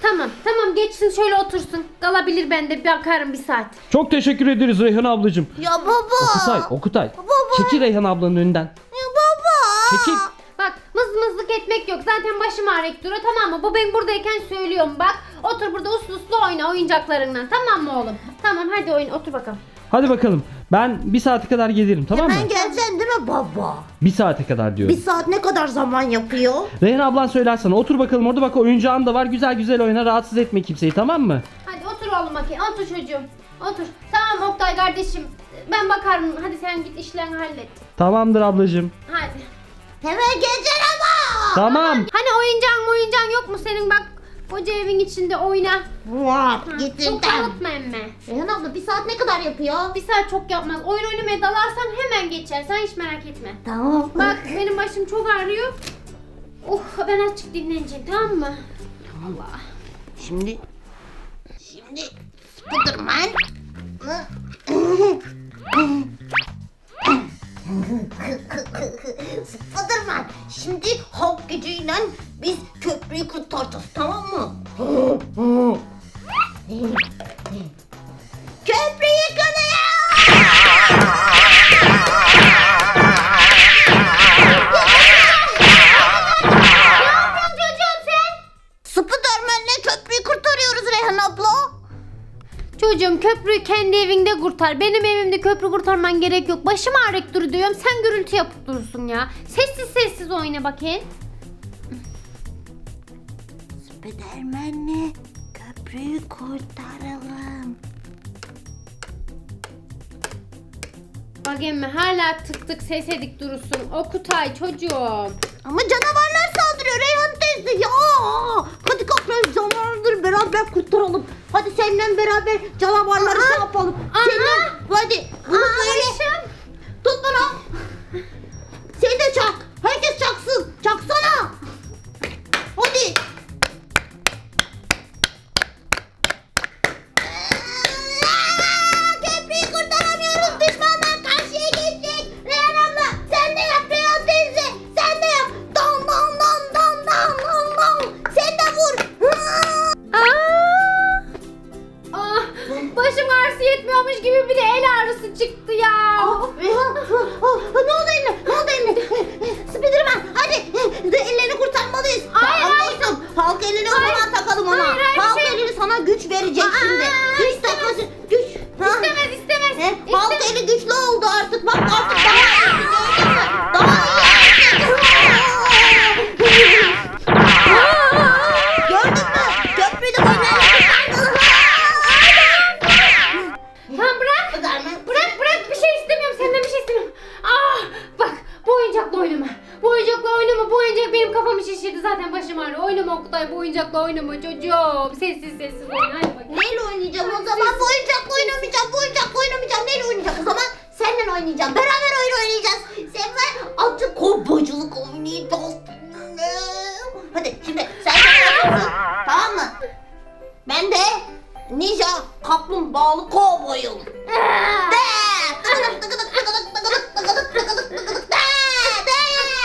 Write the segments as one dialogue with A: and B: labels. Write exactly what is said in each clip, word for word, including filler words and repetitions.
A: Tamam tamam geçsin şöyle otursun. Kalabilir ben de bakarım bir saat.
B: Çok teşekkür ederiz Reyhan ablacığım.
C: Ya baba.
B: Okutay, Okutay.
C: Baba.
B: Çekil Reyhan ablanın önünden.
C: Ya baba.
B: Çekil.
A: Bak mızmızlık etmek yok. Zaten başım ağrıyıp duruyor tamam mı? Bu ben buradayken söylüyorum bak. Otur burada uslu uslu oyna oyuncaklarından. Tamam mı oğlum? Tamam hadi oyun otur bakalım.
B: Hadi bakalım. Ben bir saate kadar gelirim, tamam mı?
C: Hemen geleceksin değil mi baba?
B: Bir saate kadar diyorum.
C: Bir saat ne kadar zaman yapıyor?
B: Reyhan ablan söyler sana. Otur bakalım orada, bak oyuncağın da var. Güzel güzel oyna, rahatsız etme kimseyi, tamam mı?
A: Hadi otur oğlum bakayım. Otur çocuğum. Otur. Tamam Oktay kardeşim. Ben bakarım. Hadi sen git işlerini hallet.
B: Tamamdır ablacığım.
A: Hadi.
C: Hemen geleceksin ama.
B: Tamam.
A: Hani oyuncağın oyuncağın yok mu senin bak. Koca evin içinde oyna.
C: Var
A: Ha,
C: getirdim.
A: Çok dağıtma emme.
C: Reyhan abla bir saat ne kadar yapıyor?
A: Bir saat çok yapmaz. Oyun oynamaya dalarsan hemen geçer. Sen hiç merak etme.
C: Tamam.
A: Bak benim başım çok ağrıyor. Oh ben azıcık dinleneceğim tamam mı? Allah.
C: Şimdi şimdi Spiderman Spiderman şimdi Hulk gücüyle biz köprüyü kurtaracağız tamam mı? Köprüyü yıkılıyor! Spiderman'le köprüyü kurtarıyoruz Reyhan abla.
A: Çocuğum köprüyü kendi evinde kurtar. Benim evimde köprü kurtarman gerek yok. Başım ağrıyıp dur diyorum. Sen gürültü yapıp durursun ya. Sessiz sessiz oyna bakayım.
C: Spiderman'le köprüyü kurtaralım.
A: Bak emmi hala tık tık ses edik durursun. Okutay çocuğum.
C: Ama canavarlar saldırıyor Reyhan teyze ya. Hadi kalk canavarları beraber kurtaralım. Hadi seninle beraber canavarları şey yapalım.
A: Aha.
C: Seninle hadi bunu
A: Aa,
C: böyle
A: başım.
C: tut bunu. Sen de çak. Herkes çaksın. Çaksana. Hadi. Aa, köprüyü kurtaramıyoruz. Düşmanlar karşıya geçecek. Reyhan abla sen de yap Reyhan teyze. Sen de yap. Dam dam dam dam dam dam dam. Sen de vur.
A: Aa! Ah, başım ağrısı yetmiyormuş gibi bir de el ağrısı çıktı ya.
C: Ah, Reyhan. ah, ah, Ne oldu eline? Ne oldu eline? Spiderman hadi. Ellerini kurtarmalıyız.
A: Hayır,
C: Tamam
A: hayır.
C: dostum. Halk elini o
A: Hayır.
C: zaman takalım ona.
A: Hayır, hayır,
C: Halk
A: şey-
C: elini sana güç verecek
A: Aa,
C: şimdi. Güç
A: istemez.
C: takması. Güç. Ha?
A: İstemez istemez.
C: He? Halk
A: İstemez.
C: eli güçlü oldu artık. Bak artık daha iyi. Daha iyi. Gördün mü? Köprüyü de böyle.
A: Tamam bırak. Bırak bırak bir şey istemiyorum senden bir şey istemiyorum. Ah bak bu oyuncakla oynama. Bu oyuncakla oynama. Bu oyuncak benim kafamı şişirdi zaten başım ağrıyor. Oynama Oktay bu oyuncakla oynama çocuğum. Sessiz sessiz oyna hadi bakayım.
C: Neyle oynayacağım o zaman? Bu oyuncakla oynamayacağım. Bu oyuncakla oynamayacağım. Neyle oynayacağım o zaman? Seninle oynayacağım. Beraber oyun oynayacağız. Sen ben azıcık kovboyculuk oynayacağız. Hadi şimdi sen sen yapıyorsun. Tamam mı? Ben de ninja kaplumbağalı kovboyum. De! Tıkıdık tıkıdık tıkıdık tıkıdık tıkıdık tıkıdık tıkıdık de! De!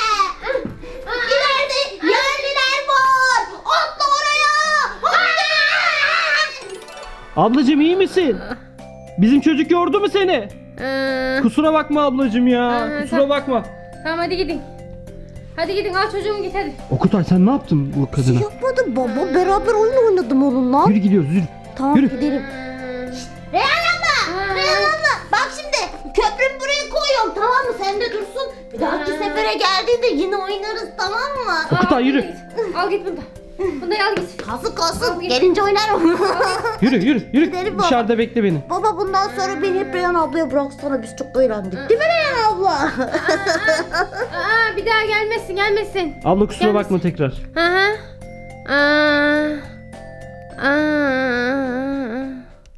C: İleride yerliler var. Atla oraya. Hadi!
B: Ablacığım iyi misin? Bizim çocuk yordu mu seni?
A: Ee,
B: Kusura bakma ablacığım ya.
A: Aha,
B: Kusura
A: tamam.
B: bakma.
A: tamam hadi gidin. Hadi gidin al çocuğumu git hadi.
B: Okutay sen ne yaptın bu kadına?
C: Yapmadım baba. Beraber oyun oynadım onunla.
B: Yürü gidiyoruz yürü.
C: Tamam
B: Yürü.
C: gidelim. Reyhan abla.
A: Ha.
C: Reyhan abla. Bak şimdi köprümü buraya koyuyorum tamam mı? Sen de dursun. Bir dahaki
A: Ha.
C: sefere geldiğinde yine oynarız tamam mı?
B: Okutay,
A: Al,
B: yürü.
A: git. Al git bunu da. Bunu da al git.
C: Kalsın kalsın.
A: Al, git.
C: Gelince oynarım.
B: Yürü yürü yürü.
C: Gidelim baba.
B: Dışarıda bekle beni.
C: Baba bundan sonra beni hep Reyhan ablaya bıraksana. Biz çok eğlendik. Değil mi Reyhan abla?
A: Aa, bir daha gelmesin gelmesin.
B: Abla kusura
A: Gelmesin.
B: bakma tekrar.
A: Hı hı. Aa. Aa.